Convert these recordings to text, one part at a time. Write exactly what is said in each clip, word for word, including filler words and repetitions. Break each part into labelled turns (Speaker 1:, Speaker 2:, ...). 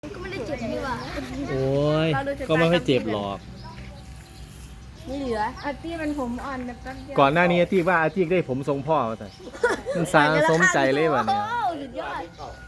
Speaker 1: ก็ไม่ได้เจ็บนี่หว่า
Speaker 2: โอ้ยก็ไม่ค่อยเจ็บหรอก
Speaker 1: ไม่เหลือ
Speaker 3: อาตี้มันผมอ่อนแบบแป๊บเดียว
Speaker 2: ก่อนหน้านี้อาที่ว่าอาที่ได้ผมทรงพ่อมาแต่มันสาสมใจเลยวันนี้
Speaker 1: โอ้สุดยอด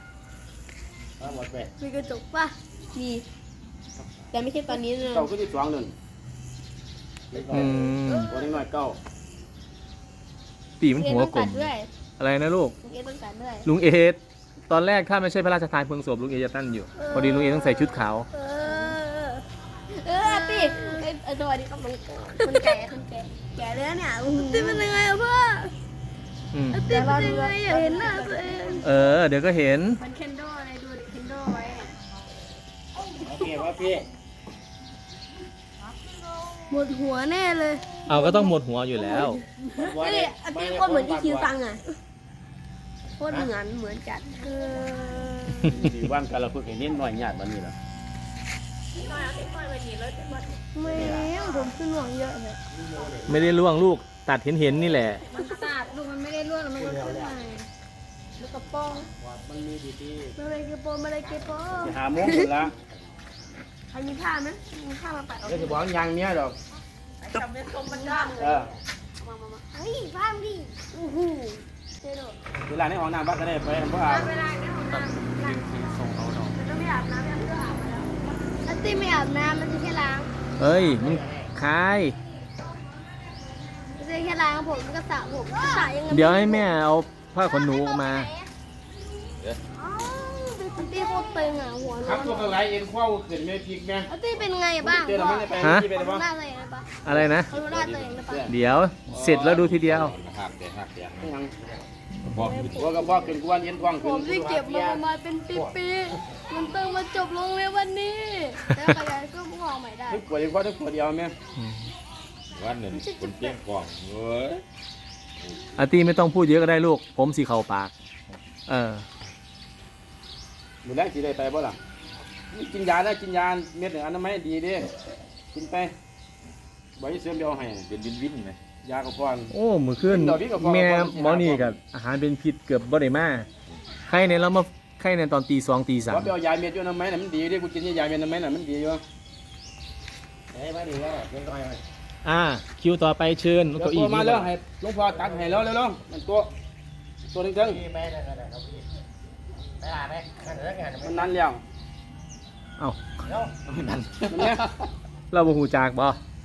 Speaker 1: มีกระจกป่ะมีแต่ไม่ใช่ตอนนี้นะ
Speaker 4: เก้าก็ที่สองหนึ่ง
Speaker 2: อืม
Speaker 4: ตัวน้อยเก้า
Speaker 2: ตีมันหัวกลม
Speaker 1: ด้วย
Speaker 2: อะไรนะลูก
Speaker 1: ลุงเอต้องการด้วย
Speaker 2: ลุงเอสตอนแรกถ้าไม่ใช่พระราชทานเพลิงศพลุงเอจะตั้นอยู่พอดีลุงเอต้องใส่ชุดขาว
Speaker 1: เออเออตีเออสวัสดีครับมันมันแก่มันแก่แก่แล้วเนี่ยตีเป็นยังไงอะพ่อ
Speaker 2: อืม
Speaker 1: ตีเป็นยังไงอยากเห็นหน้าตัวเอง
Speaker 2: เออเดี๋ยวก็เห็น
Speaker 3: มันเคนโดอะไรดูดิเคนโดไว้
Speaker 4: โอเคว่าพี่
Speaker 1: หมดหัวแน่เลย
Speaker 2: เอาก็ต้องหมดหัวอยู่แล้ว
Speaker 1: นี่อันนี้คนเหมือนอีคิวซังอ่ะโคตรเหมือนเหมือนจัดเออ
Speaker 4: ดีว่างกันเราเพิ่งเห็นนิดหน่อยหยาดมันนี่แหละ
Speaker 1: ไม่ผมขึ้นหวังเยอะเลย
Speaker 2: ไม่ได้ล่วงลูกตัดเห็นเห็นๆนี่แหละ
Speaker 3: มันตัดลูกมันไม่ได้ร่วงแล้วมันก็ขึ้นมา
Speaker 1: ลูกกระโปรง
Speaker 4: มันมีดีที่
Speaker 1: มาเลยกระโปรงมาเลยกระโปรง
Speaker 4: จะหาโมงอยู่ละ
Speaker 1: ใครมีผ้าไหมมีผ้ามาปัดเอา
Speaker 4: เดี๋ยวจะบอกยางเนี้ยดอก
Speaker 1: มันด้านเลย
Speaker 4: เออ
Speaker 1: มามามาเฮ้ยผ้าดิโอ้โหเจ๊โดด
Speaker 4: เวลาในห้องน้ำบ้านก็ได้ไปเพราะอา
Speaker 3: เวลาในห้องน้ำ
Speaker 1: มันต้องไม่อาบน้ำไม่อาบน้ำแล้วแล้วตีไม่อาบน้ำมันจะแค่ล้าง
Speaker 2: เอ้ยมันคาย
Speaker 1: มันจะแค่ล้างผมมันก็สระผมสระยังไง
Speaker 2: เดี๋ยวให้แม่เอาผ้าขนหนูออกมา
Speaker 1: อ๋อเป็นตีโคตรตึงอ่ะหัว
Speaker 4: ครับ
Speaker 1: โล้
Speaker 4: ตัวน กระไรเอ็นข้าวขึ้นไม่พลิกแม่
Speaker 1: แล้วตีเป็นไงบ้าง
Speaker 4: เจอเราไม่ได้ไป
Speaker 2: ฮะ
Speaker 4: ที่ไป
Speaker 1: เขา
Speaker 4: ได้ปะ
Speaker 1: ดูหน้าตัวเองได้ปะ
Speaker 2: อะไรนะ
Speaker 1: เขาดูหน้าตัวเองได้ปะ
Speaker 2: เดี๋ยวเสร็จแล้วดูทีเดียว
Speaker 5: หักเดี๋ยวหักเดี๋ยว
Speaker 4: ยังบอกว่าก็บอกขึ้นกวนเอ็นท้อง
Speaker 1: ผ
Speaker 4: ขึ้น
Speaker 1: มที่เก็บมาประมาณเป็นปีๆมันต้องมาจบลงในวันนี้แล้วขยายก็มองใหม่ได้
Speaker 4: ทุกขวดเอ็นข้าวทุกขวดเดียวแม่
Speaker 5: วันหนึ่งคนเพี้ยงกล่องเว้ย
Speaker 2: อาตีไม่ต้องพูดเยอะก็ได้ลูก ผมสีเข่าปาก เออ
Speaker 4: หมดแล้วสิได้ไปบ่ล่ะกินยาได้กินยาเม็ดหนึ่งอันนั้นไม่ดีเด้กินไปบ่อยเสริมเดียวให้
Speaker 5: เป็นวินวินไหม
Speaker 4: ยากระพอน
Speaker 2: โอ้มือขึ้นแม่หมอนี่กับอาหารเป็นพิษเกือบบ่ได้มาใครเนี่ยเรามาใครเนี่ยตอนตีสองตีสาม
Speaker 4: ว่าไปเอายาเม็ดอยู่น้ำไม้น่ะมันดีเด้กูกินยาเม็ดน้ำไม้น่ะมันดีอยู่เฮ้ยมาดีแล้วเป็นร้อยเลย
Speaker 2: อ่าคิวต่อไปเชิญ
Speaker 4: เดี๋ยว
Speaker 2: เก้า
Speaker 4: ตั
Speaker 2: อี้
Speaker 4: วมาแล้วให้หลวงพ่อตัดให้แล้วแล้วมันตัวตัวหนึงจังมันนั่นแล้ว
Speaker 2: เอ้า
Speaker 4: มันเนี่ย
Speaker 2: เราบ่หูจากบ่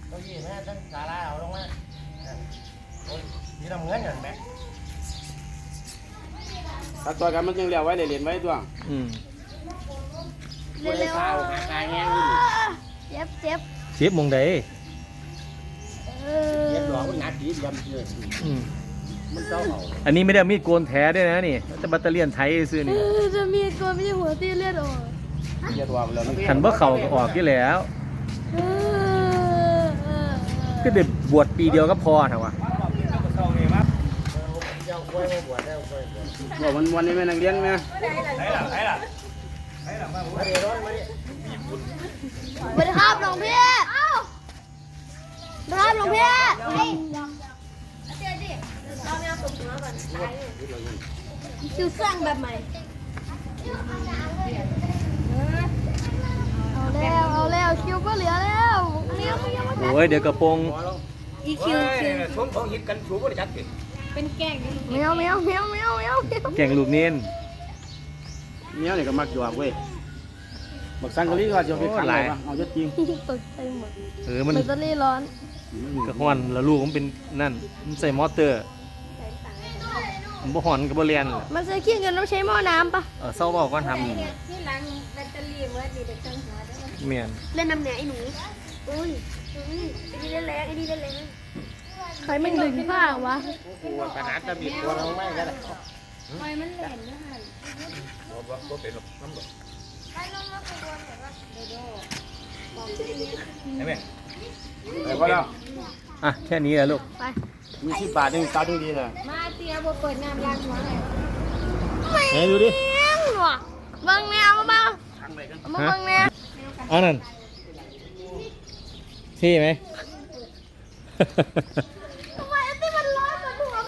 Speaker 4: ตัดตัวกันมันยังเหลียวไว้เลยเหรียญไว้ตัว
Speaker 2: อืม
Speaker 1: เร็วๆเจ็บเจ็บ
Speaker 2: เชฟมงใด
Speaker 1: เออ
Speaker 4: เย็บหลอกมันหนักดีดำเชื่อ
Speaker 2: อืม
Speaker 4: มันเจ้าเอา
Speaker 2: อันนี้ไม่ได้เอามีดโกนแท้ด้วยนะนี่แต่แบตเตอรี่ไทยซื้อนี่
Speaker 1: จะมีตัวไม่ใช่หัวตีเลือดออก
Speaker 4: เย็บตัวไปแล้วมัน
Speaker 2: ขันบ่เข่าก็ออกที่แล้ว
Speaker 1: เออเออ
Speaker 2: ก็เด็บวชปีเดียวก็พอเถอะวะ
Speaker 4: บอกมันวันนี้แม่นักเรียนแม่
Speaker 1: สวัสดีครับหลวงพี่เอ้าสวัสดีครับหลวงพี่เฮ้ยเดี๋ยวดิเราไม่เอาตกหัวก่อนตายเลยคิวสร้างแบบใหม่เอาแล้วเอาแล้วคิวก็เหลือแล้วอันนี้ไม่ยังไม่
Speaker 2: โอ้ยเดี๋ยวกระโปรง
Speaker 1: อีคิวคิว
Speaker 4: ชมของหิดกันชูก็ได้จัดกิน
Speaker 3: เป็นแกงดิ
Speaker 1: แมวแมวแมวแมวแมว
Speaker 2: แก่งลูกเน้น
Speaker 4: เนี้ยนี่ก็มักอยู่อ่ะเว้ยบักสังกะลีก็จะไปขังเลยเอาเยอะจริง
Speaker 1: ตกใจหมด
Speaker 2: เออมัน
Speaker 1: แบตเตอรี่ร้อน
Speaker 2: กระห้อนแล้วลูกมันเป็นนั่นมันใส่มอเตอร์มันบ่หอนกับบ่เรียน
Speaker 1: มันจะขี้เงินต้องใช้หม้อน้ำปะ
Speaker 2: เออเศร้าบอกก่อนทำ
Speaker 3: ที่ล้างแบตเตอรี่เมื่อดีเด็กจังหัวได้ไหม
Speaker 2: เมียน
Speaker 1: เล่นน้ำเหนือไอ้หนูอุ้ยอุ้ยไอ้นี่เล่นแรงไอ้นี่เล่นแรงใครมันดึงผ้าวะ
Speaker 4: กูขนาดจะบีบตัวเราไม่ก็ได้
Speaker 3: ไฟมันแหลมด้วยหัน
Speaker 5: ก็เป็นน้ำบ่
Speaker 2: ใช่ไหม
Speaker 4: แต่ว่าเรา
Speaker 2: อ่ะแค่นี้แหละลูก
Speaker 1: ไป
Speaker 4: มีสิบบาทยังตัดยังดีเลย
Speaker 3: มาเตียบเปิดน้ำล้างหัวไหน
Speaker 2: ไหนดูดิ
Speaker 1: เลี้ยงหนวกบังแนวมาบ้างเอามาบังแนว
Speaker 2: อันนั้นเท่ไหม